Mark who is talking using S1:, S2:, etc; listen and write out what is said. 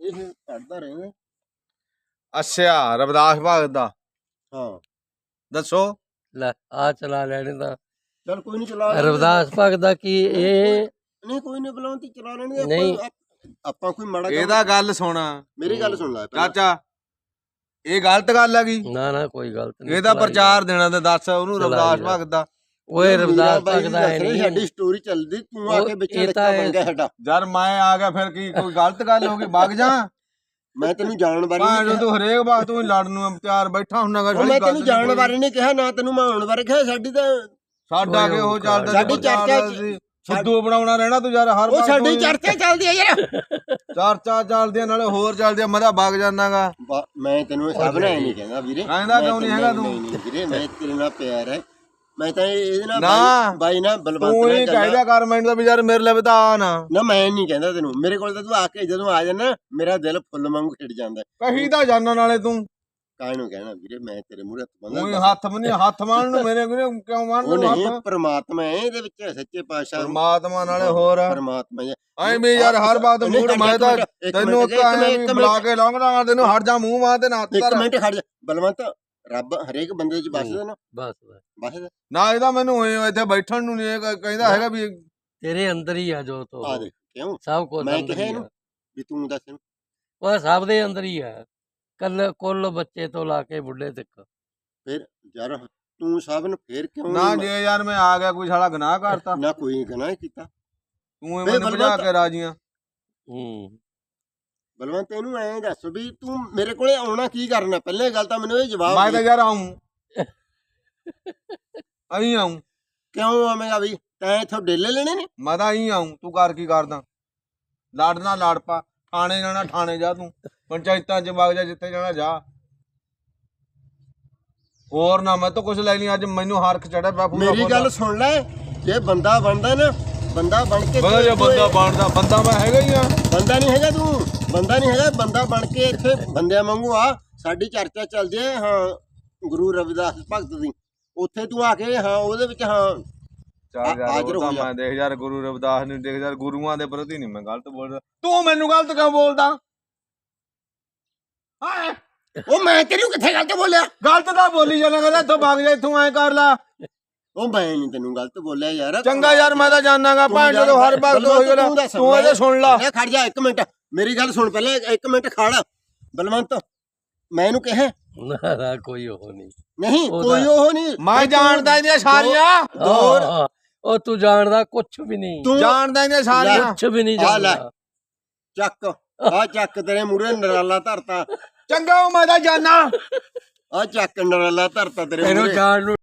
S1: ਇਹ ਪੜਦਾ ਰਹਿੰਦਾ।
S2: ਅੱਛਾ ਰਵਿਦਾਸ ਭਗਤ ਦਾ
S1: ਹਾਂ
S2: ਦੱਸੋ।
S3: ਲੈ ਆ ਚਲਾ ਲੈਣੇ ਤਾਂ
S1: ਚੱਲ ਕੋਈ ਨਹੀਂ ਚਲਾ
S3: ਰਵਿਦਾਸ ਭਗਤ ਦਾ ਕੀ ਇਹ
S1: ਨਹੀਂ ਕੋਈ ਨਹੀਂ ਬੁਲਾਉਂਦੀ ਚਲਾ ਲੈਣਗੇ
S3: ਨਹੀਂ।
S1: ਆਪਾਂ ਕੋਈ ਮਾੜਾ
S2: ਇਹਦਾ ਗੱਲ ਸੁਣ
S1: ਮੇਰੀ ਗੱਲ ਸੁਣ ਲੈ ਪਹਿਲਾਂ।
S2: ਚਾਚਾ ਇਹ ਗਲਤ ਗੱਲ ਹੈਗੀ।
S3: ਨਾ ਕੋਈ ਗਲਤ ਨਹੀਂ।
S2: ਇਹਦਾ ਪ੍ਰਚਾਰ ਦੇਣਾ ਤੇ ਦੱਸ ਉਹਨੂੰ ਰਵਿਦਾਸ ਭਗਤ ਦਾ।
S3: ਓਏ ਰਵਿਦਾਸ ਭਗਤ ਦਾ ਹੈ ਨਹੀਂ।
S1: ਸਾਡੀ ਸਟੋਰੀ ਚੱਲਦੀ ਤੂੰ ਆ ਕੇ ਵਿੱਚ
S3: ਇਹ ਤਾਂ
S1: ਬਣ ਗਿਆ ਸਾਡਾ।
S2: ਯਾਰ ਮੈਂ ਆ ਗਿਆ ਫਿਰ ਕੀ ਕੋਈ ਗਲਤ ਗੱਲ ਹੋ ਗਈ ਵਗ ਜਾ।
S1: ਮੈਂ ਤੈਨੂੰ ਜਾਣ ਬਾਰੇ
S2: ਭਾਂ ਤੂੰ ਹਰੇਕ ਵਾਰ ਤੂੰ ਲੜਨ ਨੂੰ ਤਿਆਰ ਬੈਠਾ ਹੁੰਨਾਗਾ।
S1: ਮੈਂ ਤੈਨੂੰ ਜਾਣ ਬਾਰੇ ਨਹੀਂ ਕਿਹਾ ਨਾ ਤੈਨੂੰ ਮੈਂ ਆਉਣ ਬਾਰੇ ਕਿਹਾ। ਸਾਡੀ ਤਾਂ
S2: ਸਾਡਾ ਕਿ ਉਹ ਚੱਲਦਾ
S1: ਸਾਡੀ ਚਰਚਾ
S2: ਸਿੱਧੂ ਬਣਾਉਣਾ ਰਹਿਣਾ ਤੂੰ ਯਾਰ ਹਰ
S1: ਉਹ ਸਾਡੀ ਚਰਚਾ ਚੱਲਦੀ ਹੈ ਯਾਰ।
S2: ਚਰਚਾ ਚੱਲਦੀ ਨਾਲੇ ਹੋਰ ਚੱਲਦੀ ਮੈਂ ਤਾਂ ਵਗ ਜਾਣਾਗਾ।
S1: ਮੈਂ ਤੈਨੂੰ ਸਭ ਨੇ ਨਹੀਂ ਕਹਿੰਦਾ ਵੀਰੇ।
S2: ਕਹਿੰਦਾ ਕਿਉਂ ਨਹੀਂ ਹੈਗਾ ਤੂੰ?
S1: ਨਹੀਂ ਵੀਰੇ ਮੈਂ ਤੇਰੇ ਨਾਲ ਪਿਆਰ ਹੈ। ਮੈਂ ਤਾਂ ਇਹਦੇ ਨਾਲ
S2: ਨਾ
S1: ਬਾਈ ਨਾ ਬਲਵੰਤ
S2: ਤੂੰ ਹੀ ਕਹਿਦਾ ਕਰ ਮੈਨੂੰ ਤਾਂ ਵੀ ਯਾਰ ਮੇਰੇ ਲਈ ਤਾਂ ਆ ਨਾ
S1: ਮੈਂ ਨਹੀਂ ਕਹਿੰਦਾ ਤੈਨੂੰ। ਮੇਰੇ ਕੋਲ ਤਾਂ ਤੂੰ ਆ ਕੇ ਜਦੋਂ ਆ ਜਾਣਾ ਮੇਰਾ ਦਿਲ ਫੁੱਲ ਵਾਂਗੂ ਖਿੜ ਜਾਂਦਾ।
S2: ਕਹੀ ਤਾਂ ਜਾਨਣ ਨਾਲੇ ਤੂੰ
S1: ਕਾਹਨੂੰ ਕਹਿਣਾ ਵੀਰੇ। ਮੈਂ ਤੇਰੇ ਮੂਹਰੇ
S2: ਹੱਥ ਬੰਨ੍ਹ ਹੱਥ ਮਾਰਨ ਨੂੰ ਮੇਰੇ ਕਿਉਂ ਮਾਰਨ
S1: ਉਹ
S2: ਨੂੰ
S1: ਨਹੀਂ
S2: ਹੱਥ?
S1: ਪਰਮਾਤਮਾ ਹੈ ਇਹਦੇ ਵਿੱਚ ਸੱਚੇ ਪਾਤਸ਼ਾਹ
S2: ਪਰਮਾਤਮਾ ਨਾਲੇ ਹੋਰ
S1: ਪਰਮਾਤਮਾ
S2: ਐ ਵੀ ਯਾਰ ਹਰ ਬਾਤ ਮੂਡ ਮੈਂ ਤਾਂ ਤੈਨੂੰ ਬੁਲਾ ਕੇ ਲਾਉਂਗਾ ਤੈਨੂੰ ਹਟ ਜਾ ਮੂੰਹ ਮਾਰ ਤੇ ਨਾ
S1: ਇੱਕ ਮਿੰਟ ਖੜ ਜਾ ਬਲਵੰਤ। ਰੱਬ ਹਰੇਕ ਬੰਦੇ ਚ ਬਸਦਾ ਨਾ।
S3: ਬਸ
S2: ਨਾ ਇਹਦਾ ਮੈਨੂੰ ਇੱਥੇ ਬੈਠਣ ਨੂੰ ਨਹੀਂ ਕਹਿੰਦਾ ਹੈਗਾ ਵੀ
S3: ਤੇਰੇ ਅੰਦਰ ਹੀ ਆ ਜੋ ਤੋ
S1: ਆ ਦੇਖ ਕਿਉਂ
S3: ਸਭ ਕੁਝ
S1: ਮੈਂ
S3: ਅੰਦਰ
S1: ਕਿਹਾ
S3: ਹੀ
S1: ਇਹਨੂੰ
S3: ਆ।
S1: ਵੀ ਤੂੰ ਦੱਸ ਇਹਨੂੰ।
S3: ਉਹ ਸਭ ਦੇ ਅੰਦਰ ਹੀ ਆ। ਕੁੱਲ ਬੱਚੇ ਤੋਂ ਲਾ ਕੇ ਬੁੱਢੇ ਤੱਕ।
S1: ਫਿਰ ਯਾਰ ਤੂੰ ਸਭ ਨੂੰ ਫੇਰ ਕਿਉਂ
S2: ਨਾ ਜੇ ਯਾਰ ਮੈਂ ਆ ਗਿਆ ਕੋਈ ਸਾਲਾ ਗੁਨਾਹ ਕਰਤਾ
S1: ਨਾ ਕੋਈ ਗੁਨਾਹ ਕੀਤਾ
S2: ਤੂੰ ਮੈਨੂੰ ਭਜਾ ਕੇ ਰਾਜੀਆਂ।
S1: ਬਲਵੰਤ ਇਹਨੂੰ ਐਂ ਦੱਸ ਵੀ ਤੂੰ ਮੇਰੇ ਕੋਲੇ ਆਉਣਾ ਕੀ ਕਰਨਾ। ਪਹਿਲੇ ਗੱਲ ਤਾਂ ਮੈਨੂੰ ਇਹ ਜਵਾਬ
S2: ਮੈਂ ਤਾਂ ਯਾਰ ਆਉਂ ਅਹੀਂ ਆਉਂ
S1: ਕਿਉਂ ਆਵੇਂਗਾ ਵੀ ਤੈਂ ਇੱਥੋਂ ਡੇਲੇ ਲੈਣੇ ਨੇ।
S2: ਮੈਂ ਤਾਂ ਅਹੀਂ ਆਉਂ ਤੂੰ ਕਰ ਕੀ ਕਰਦਾ। ਲੜਨਾ ਲੜ ਪਾ ਥਾਣੇ ਜਾਣਾ ਥਾਣੇ ਜਾ ਤੂੰ ਪੰਚਾਇਤਾਂ ਚ ਵਗ ਜਾ ਜਿੱਥੇ ਜਾਣਾ ਜਾ। ਹੋਰ ਨਾ ਮੈਂ ਤਾਂ ਕੁਛ ਲੈ ਲਈ ਅੱਜ ਮੈਨੂੰ ਹਰਖ ਚੜਿਆ ਪਿਆ।
S1: ਮੇਰੀ ਗੱਲ ਸੁਣ ਲੈ ਜੇ ਬੰਦਾ ਬਣਦਾ ਨਾ ਬੰਦਾ ਬਣ ਕੇ
S2: ਬੰਦਾ ਬਣਦਾ ਬੰਦਾ ਮੈਂ ਹੈਗਾ ਹੀ ਆ।
S1: ਬੰਦਾ ਨਹੀਂ ਹੈਗਾ ਤੂੰ ਬੰਦਾ ਨਹੀਂ ਹੈਗਾ। ਬੰਦਾ ਬਣ ਕੇ ਇੱਥੇ ਬੰਦਿਆਂ ਵਾਂਗੂ ਆ। ਸਾਡੀ ਚਰਚਾ ਚੱਲਦੀ ਹੈ ਹਾਂ ਗੁਰੂ ਰਵਿਦਾਸ ਭਗਤ ਦੀ। ਉੱਥੇ ਤੂੰ ਆ ਕੇ ਹਾਂ ਉਹਦੇ ਵਿੱਚ ਹਾਂ ਹਾਜ਼ਰ ਹੋ ਜਾ।
S2: ਮੈਂ ਦੇਖ ਯਾਰ ਗੁਰੂ ਰਵਿਦਾਸ ਨੂੰ ਦੇਖ ਯਾਰ ਗੁਰੂਆਂ ਦੇ ਪ੍ਰਤੀ ਨਹੀਂ ਮੈਂ ਗਲਤ ਬੋਲਦਾ। ਤੂੰ ਮੈਨੂੰ ਗਲਤ ਕਿਉਂ ਬੋਲਦਾ?
S1: ਉਹ ਮੈਂ ਤੈਨੂੰ ਕਿੱਥੇ ਗਲਤ ਬੋਲਿਆ?
S2: ਗਲਤ ਤਾਂ ਬੋਲੀ ਜਾਣਾ ਕਹਿੰਦਾ ਇੱਥੋਂ ਵਗ ਜਾ ਇੱਥੋਂ ਐ ਕਰ ਲਾ।
S1: ਉਹ ਮੈਂ ਨਹੀਂ ਤੈਨੂੰ ਗਲਤ ਬੋਲਿਆ ਯਾਰ।
S2: ਚੰਗਾ ਯਾਰ ਮੈਂ ਤਾਂ ਜਾਣਾਗਾ ਭਾਂ ਜਦੋਂ ਹਰ ਵਕਤ ਹੋਈ ਗੱਲ ਤੂੰ ਇਹਦੇ ਸੁਣ ਲਾ।
S1: ਖੜ ਜਾ ਇੱਕ ਮਿੰਟ ਮੇਰੀ ਗੱਲ ਸੁਣ ਪਹਿਲੇ ਇੱਕ ਮਿੰਟ ਖੜ ਬਲਵੰਤ। ਮੈਂ ਇਹਨੂੰ ਕਿਹਾ
S3: ਨਾ ਕੋਈ ਉਹ
S1: ਨਹੀਂ ਕੋਈ ਉਹ ਨਹੀਂ।
S2: ਮੈਂ ਜਾਣਦਾ ਇਹਦੀਆਂ ਸਾਰੀਆਂ।
S3: ਉਹ ਤੂੰ ਜਾਣਦਾ ਕੁਛ ਵੀ ਨਹੀਂ।
S2: ਤੂੰ ਜਾਣਦਾ ਇਹਦੀਆਂ ਸਾਰੀਆਂ
S3: ਕੁਛ ਵੀ ਨਹੀਂ ਜਾਣਦਾ।
S1: ਚੱਕ ਆ ਚੱਕ ਤੇਰੇ ਮੂਹਰੇ ਨਰਾਲਾ ਧਰਤਾ।
S2: ਚੰਗਾ ਉਹ ਮੈਂ ਤਾਂ ਜਾਣਾ।
S1: ਆ ਚੱਕ ਨਰਾਲਾ ਧਰਤਾ ਤੇਰੇ
S3: ਇਹਨੂੰ
S1: ਮੂਹਰੇ।
S3: ਜਾਣ ਨੂੰ